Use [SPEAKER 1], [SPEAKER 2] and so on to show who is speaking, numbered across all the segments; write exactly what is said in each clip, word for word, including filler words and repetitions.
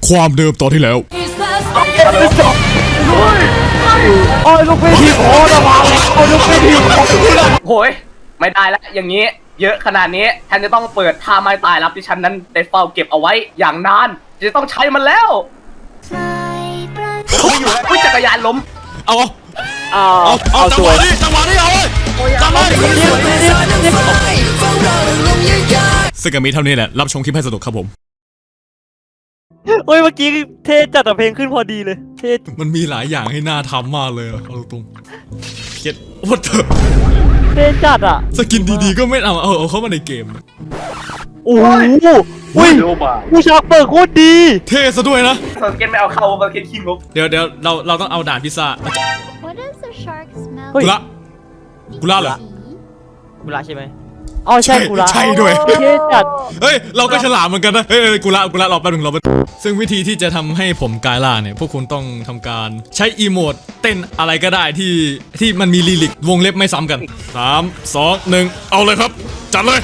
[SPEAKER 1] ความเดิมตอนที่แล้ว
[SPEAKER 2] โอ้ยลูกพี่ทีโอ้ระวังโอ้ยลูกพี่ที
[SPEAKER 3] โหยไม่ได้แล้วอย่างนี้เยอะขนาดนี้ฉันจะต้องเปิดท่าไม้ตายรับที่ฉันนั้นได้เฝ้าเก็บเอาไว้อย่างนานจะต้องใช้มันแล้วไม่อยู่แล้วจักรยานล้ม
[SPEAKER 1] เอา
[SPEAKER 2] เอา
[SPEAKER 1] เอาเอาจังหวะนี้จังหวะนี้เอาเลยจังหวะนี้ซึ่งก็มีเท่านี้แหละรับชมคลิปให้สนุกครับผม
[SPEAKER 2] เฮ้ยเมื่อกี้เท่จัดเพลงขึ้นพอดีเลยเท่
[SPEAKER 1] มันมีหลายอย่างให้น่าทำมากเลยเอาตรงเก็ตวัดเถอะ
[SPEAKER 2] เท่จัดอ่ะ
[SPEAKER 1] สกินดีๆก็ไม่เอาเอาเอาเข้ามาในเกม
[SPEAKER 2] โอ้โหอุ้ยผู้ชากเปิดโคตรดี
[SPEAKER 1] เท่ซะด้วยนะ
[SPEAKER 3] สเก็ตไม่เอาเข้าสเก็ตขี้งก
[SPEAKER 1] เดี๋ยวเดี๋ยวเราเราต้องเอาด่านพิซซ่ากุละกุละเหรอ
[SPEAKER 2] กุละใช่ไหมอ๋อใช่กุละ
[SPEAKER 1] ใช่ด้วย
[SPEAKER 2] เท่จัด
[SPEAKER 1] เฮ้ยเราก็ฉลาดเหมือนกันนะเฮ้ยกุละกุละรอแป๊บนึงรอแป๊บซึ่งวิธีที่จะทำให้ผมกลายล่าเนี่ยพวกคุณต้องทำการใช้อีโมดเต้นอะไรก็ได้ที่ที่มันมีลิลิกวงเล็บไม่ซ้ำกันสามสองหนึ่งเอาเลยครับจัดเลย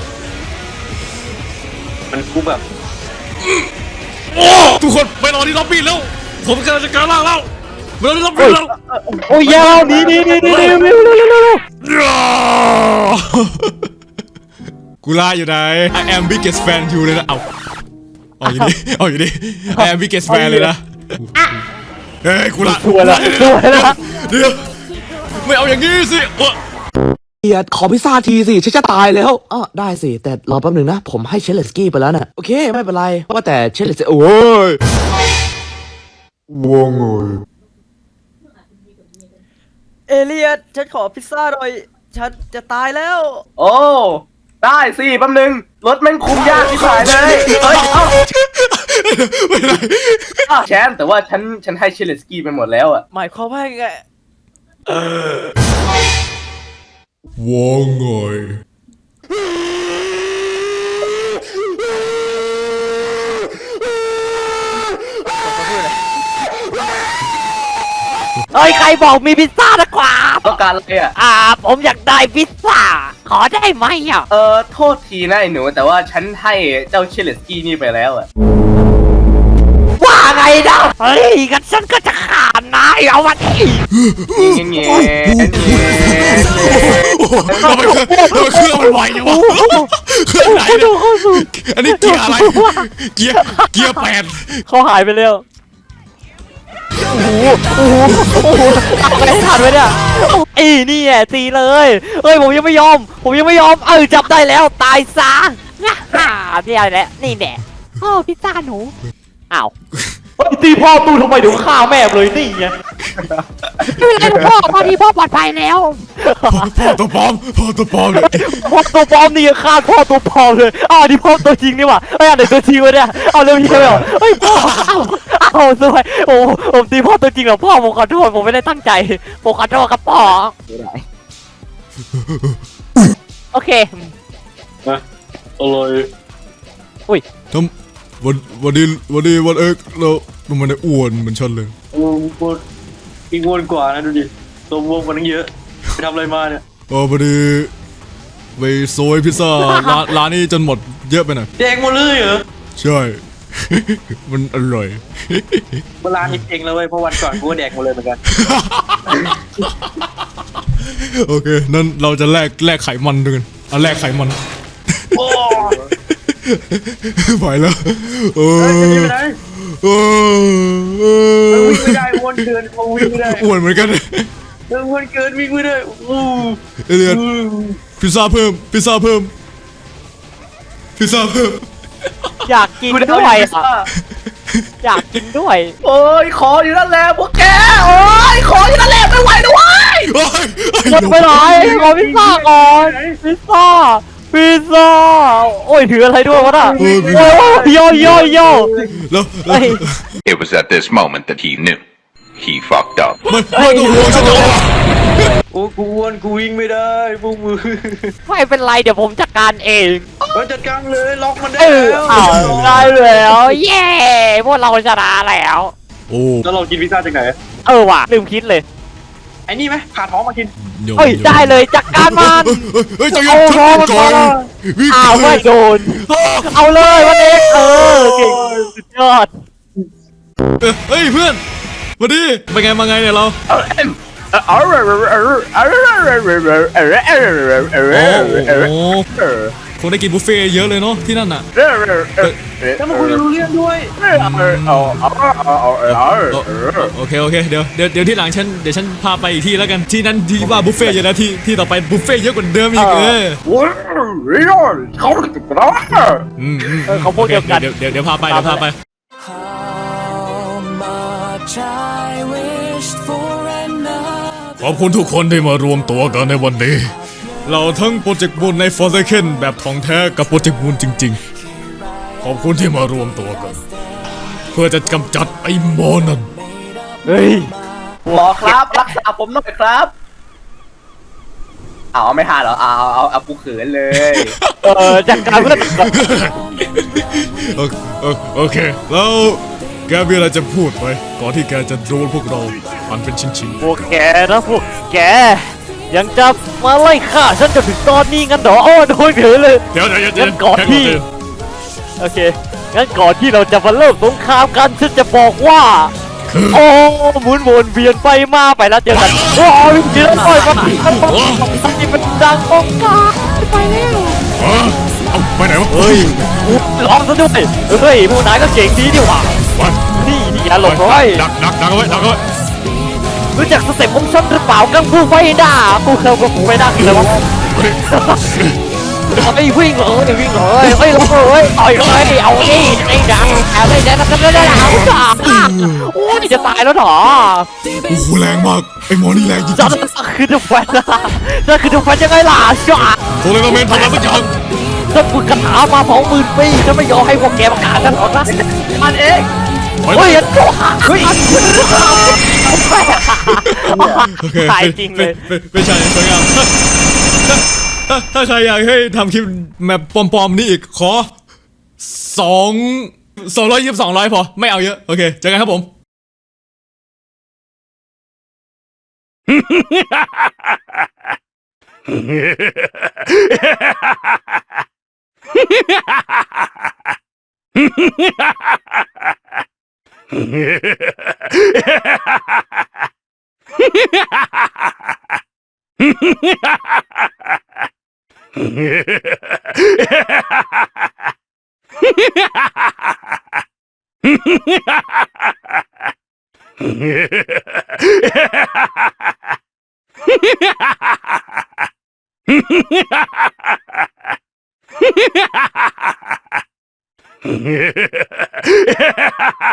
[SPEAKER 3] มันกูแบบ
[SPEAKER 1] โอ้ทุกคนไปรอที่ล็อบบี้แล้วผมกำลังจะกลายล่าแล้วไปรอที่ล็อบบี้แล้ว
[SPEAKER 2] โอ้ยยาวนี่นี่นี่นี่นี่นี่นี่
[SPEAKER 1] กูล่าอยู่ไหน I am biggest fan อยู่เลยนะเอาเอาอยู่ดิเอาอยู่ดิ I am biggest fan เลยนะเฮ้ยกูล่า
[SPEAKER 2] สวยละสวยละ
[SPEAKER 1] เดี๋ยวไม่เอาอย่างนี้สิ
[SPEAKER 4] เอียดขอพิซซ่าทีสิฉันจะตายแล้วอ๋อได้สิแต่รอแป๊บหนึ่งนะผมให้เชลเลสกี้ไปแล้วน่ะโอเคไม่เป็นไรว่าแต่เชลเลสโอ้ย
[SPEAKER 1] ว่างไง
[SPEAKER 2] เอเลียดฉันขอพิซซ่าหน่อยฉันจะตายแล้ว
[SPEAKER 3] โอ้ได้สิแป๊บนึงรถแม่งคุมยากที่สุดเลยเฮ้ยเอ้า
[SPEAKER 1] ไม่ไร
[SPEAKER 3] แชมป์แต่ว่าฉันฉันให้เชลเลสกี้ไปหมดแล้วอะ
[SPEAKER 2] หมายความว่าไง
[SPEAKER 1] ว่างไง
[SPEAKER 2] เฮ้ยใครบอกมีพิซซ่านะกว่า
[SPEAKER 3] ต้องการอะไรอ่ะ
[SPEAKER 2] อ่าผมอยากได้พิซซ่าขอได้ไหมอ่ะ
[SPEAKER 3] เออโทษทีนะไอ้หนูแต่ว่าฉันให้เจ้าเชลเลสกี้นี่ไปแล้วอ่ะ
[SPEAKER 2] ว่าไงนะเฮ้ยกันฉันก็จะฆ่านายเอาวันนี้
[SPEAKER 3] เงี้ยเงี้ย
[SPEAKER 1] ทำไมเครื่องมันไหวจังวะเครื่องไหนเนี่ยอันนี้เกียร์อะไรเกียร์เกียร์แปด
[SPEAKER 2] เขาหายไปแล้วโอ้โหโอ้โหโอ้โหอะไรทันไว้เนี่ยไอ้นี่แหละตีเลยเฮ้ยผมยังไม่ยอมผมยังไม่ยอมเออจับได้แล้วตายซะฮ่านี่อะไรแหละนี่แหละพ่อพิซซ่าหนูอ้าวตีพ่อตู้ทำไมเดี๋ยวฆ่าแม่เลยนี่ไงไม่เป็นไรพ่อตอนนี้พ่อปลอดภัยแล้ว
[SPEAKER 1] พ่อตัวปลอมพ่อตัวปลอมเลย
[SPEAKER 2] พ่อตัวปลอมนี่ยังฆ่าพ่อตัวปลอมเลยอ้าวนี่พ่อตัวจริงนี่หว่าไอ้อันไหนตัวจริงวะเนี่ยเอาเรื่องนี้ใช่ไหมเฮ้ยพ่อเอาเอาสวยโอ้ผมตีพ่อตัวจริงเหรอพ่อผมขอโทษผมไม่ได้ตั้งใจผมขอโทษครับพ่อโอเค
[SPEAKER 3] นะอร่อย
[SPEAKER 2] อุ้ย
[SPEAKER 1] ทำวันวันนี้วันนี้วันเอกเรามันได้อ้วนเหมือนฉันเลย
[SPEAKER 3] โอ้โหอีกอ้วนกว่านะดูดิตัวบวมกว่านั้นเยอะไปทำอะไรมาเนี่ย
[SPEAKER 1] อ๋อพอดีไปโซยพิซซ่าร้านร้านนี้จนหมดเยอะไปหน่อย
[SPEAKER 3] แดงหมดเลยเหรอ
[SPEAKER 1] ใช่มันอร่อย
[SPEAKER 3] เวลานี้เองเลยเพราะวันก่อนกูก็แดกหมดเลยเหมือนกัน
[SPEAKER 1] โอเคนั่นเราจะแลกแลกไขมันด้วยกันเอาแลกไขมัน
[SPEAKER 3] โอ้
[SPEAKER 1] ไปแล้วเออเอ
[SPEAKER 3] อวิ่งไม่ได้วนเกินเขาวิ่งไม่ได้
[SPEAKER 1] อ้วนเหมือนกัน
[SPEAKER 3] เออวนเกินวิ่งไม่ได้อู้
[SPEAKER 1] เอเลียดพิซซ่าเพิ่มพิซซ่าเพิ่มพิซซ่าเพิ่ม
[SPEAKER 2] อยากกินด้วยอยากกินด้วย
[SPEAKER 3] โอ้ยขออยู่นั่นแหละพวกแกโอ้ยขออยู่นั่นแหละไม่ไหวด้วย
[SPEAKER 2] หมดไปไหนขอพิซซ่าก่อนพิซซ่าพิซซ่าโอ้ยถืออะไรด้วยวะน่ะโอ้ยโยโยโย
[SPEAKER 5] It was at this moment that he knew he fucked up
[SPEAKER 1] มันมันตัวหัวฉันเอา
[SPEAKER 3] โอ้กูอ้วนกูวิ่งไม่ได้พวกมือ
[SPEAKER 2] ไม่เป็นไรเดี๋ยวผมจัดการเอง
[SPEAKER 3] ก็จัดการเลยล็อกมันได้
[SPEAKER 2] แล้วอ้าวได้แล้วเย้พวกเราชนะแล้ว
[SPEAKER 1] โอ้
[SPEAKER 3] แล้วเรากินพิซซ่าจากไหน
[SPEAKER 2] เออว่ะลืมคิดเลย
[SPEAKER 3] ไอ้นี่ไหมผ่าท้องมากิน
[SPEAKER 2] เฮ้ยได้เลยจัดการมัน
[SPEAKER 1] เฮ้ยจะยิงท้องมันก่อน
[SPEAKER 2] อ้าวไม่โดนเอาเลยวันเอกเออเก่งสุดยอด
[SPEAKER 1] เออเฮ้ยเพื่อนมาดิเป็นไงมาไงเนี่ยเรา
[SPEAKER 3] เออเอ็มเออเออเออเออเออเออเออเออเออเออเออเออเออเออ
[SPEAKER 1] คงได้กินบุฟเฟ่ต์เยอะเลยเนาะที่นั่นน่ะ
[SPEAKER 3] แล้วมาคุยรู้เรื่องด้วยเอาเอาเอาเอาเอาเอา
[SPEAKER 1] โอเคโอเคเดี๋ยวเดี๋ยวเดี๋ยวที่หลังฉันเดี๋ยวฉันพาไปอีกที่แล้วกันที่นั่นที่ว่าบุฟเฟ่ต์เยอะนะที่ที่ต่อไปบุฟเฟ่ต์เยอะกว่าเดิมอีกเออ
[SPEAKER 3] โอ้ยร้อนเขาติดกระดาษ
[SPEAKER 1] อืมอืม
[SPEAKER 2] เออเขาพวกเดียวกัน
[SPEAKER 1] เดี๋ยวเดี๋ยวเดี๋ยวพาไปเดี๋ยวพาไป ขอบคุณทุกคนที่มารวมตัวกันในวันนี้ เราทั้งโปรเจกต์มูนใน Forsaken แบบของแท้กับโปรเจกต์มูนจริงๆ ขอบคุณที่มารวมตัวกัน เพื่อจะกำจัดไอ้หมอนั่น
[SPEAKER 2] เฮ้ย
[SPEAKER 3] หมอครับรักษาผมหน่อยครับเอาไม่หาเหรอเอาเอาเอากูเขินเลย
[SPEAKER 2] เออจากการเพื่อน
[SPEAKER 1] โอโอโอเค แล้วแกมีอะไรจะพูดไหมก่อนที่แกจะโดนพวกเราหันเป็นชิ้น
[SPEAKER 2] พวกแกนะพวกแก ยังจะมาไล่ฆ่าฉันจนถึงตอนนี้งั้นเหรอโอ้โดนเฉยเลย
[SPEAKER 1] ๆเดี๋ยวเดี๋ยวเดี๋ยว
[SPEAKER 2] งั้นก่อน
[SPEAKER 1] แค่
[SPEAKER 2] ที่
[SPEAKER 1] เดี๋ยว
[SPEAKER 2] โอเค งั้นก่อนที่เราจะมาเริ่มสงครามกันฉันจะบอกว่า
[SPEAKER 1] คือ
[SPEAKER 2] โอ้หมุนวนเวียนไปมาไปแล้วเจอกันโอ้ยเจอปล่อยมาที่มันดังองกาไปแล้ว
[SPEAKER 1] เออเอาไปไหนวะ
[SPEAKER 2] เฮ้ยร้องซะด้วยเฮ้ยผู้นายก็เก่งดีดีหว่า
[SPEAKER 1] วัน
[SPEAKER 2] นี่นี่อย่าหลบร้อย
[SPEAKER 1] ดักดักดักเอาไว้ดักเอาไว้
[SPEAKER 2] รู้จักสเต็ปของฉันหรือเปล่ากังฟูไฟด้ากูเคยกับฟูไฟด้าคืออะไรวะ
[SPEAKER 1] เฮ้ย
[SPEAKER 2] ไอ้วิ่งเลยวิ่งเลยเฮ้ยเฮ้ยต่อยเลยเอาดิไอ้ดังอะไรเนี่ยทำได้แล้วโอ้ยจะตายแล้วหรอ
[SPEAKER 1] โอ้โหแรงมากไอ้หมอนี่แรงจริง
[SPEAKER 2] จะคือจะแฟนจะคือจะแฟนยังไงล่ะจ้า
[SPEAKER 1] ๆโซเลนเมนทำอะไรสักอย่าง
[SPEAKER 2] จะฝึกคาถามาสองหมื่นปีจะไม่ยอมให้พวกแกประกาศกันหรอกนะ
[SPEAKER 3] มันเอง
[SPEAKER 1] ไป
[SPEAKER 2] เฮ้ยยันโจ้เฮ้ย
[SPEAKER 1] โอเค
[SPEAKER 2] ตายจริงเลย
[SPEAKER 1] เป็นเป็นชายสวยงามถ้าถ้าใครอยากให้ทำคลิปแบบปลอมๆนี่อีกขอสองสองร้อยยี่สิบสองร้อยพอไม่เอาเยอะโอเคเจอกันครับผม Ha ha ha ha!